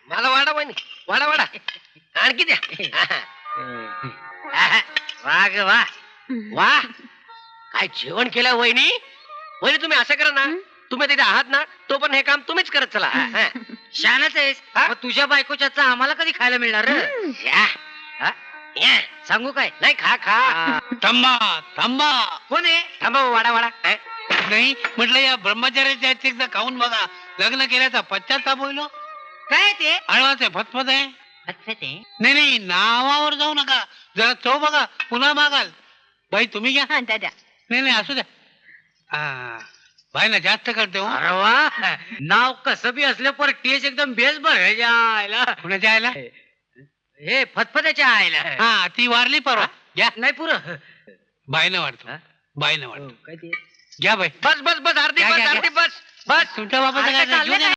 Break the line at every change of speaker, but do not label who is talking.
मला वाडा वहिनी, वाडा वाडा आणखी द्या. वा ग वा वा, काय जेवण केलं वहिनी. वहिनी तुम्ही असं करा ना, तुम्ही तिथे आहात ना, तो पण हे काम तुम्हीच करत चला.
शानच आहेस. मग तुझ्या बायकोच्या आम्हाला कधी खायला मिळणार? सांगू काय?
नाही, खा खा.
थांबा थांबा.
कोण आहे?
थांबा वाडा वाडा.
नाही म्हटलं, या ब्रह्मचार्याच्या एकदा खाऊन बघा. लग्न केल्याचा पश्चाताप होईल.
काय ते?
आळवाच आहे, फतफत आहे.
फतफते?
नाही नाही, नावावर जाऊ नका. जरा चव बघा, पुन्हा मागाल. बाई तुम्ही घ्या.
दादा
नाही नाही, असू द्या. बाई ना जास्त करते हो.
अरे वा, नाव कसं बी असलं पर टेस्ट एकदम बेस बघायला.
कुणाच्या आयला?
हे फतफत्याच्या आयला.
हा, ती वारली परवा. घ्या.
नाही पुरं.
बाईनं वाटतो, बाईनं वाटतो.
काय ते?
घ्या बाई.
बस बस बस, अर्धी
घ्या,
बस,
घ्या,
अर्धी बस बस.
तुमच्या बाबाचं
अरे,
काय
चाललंय
घेऊन या.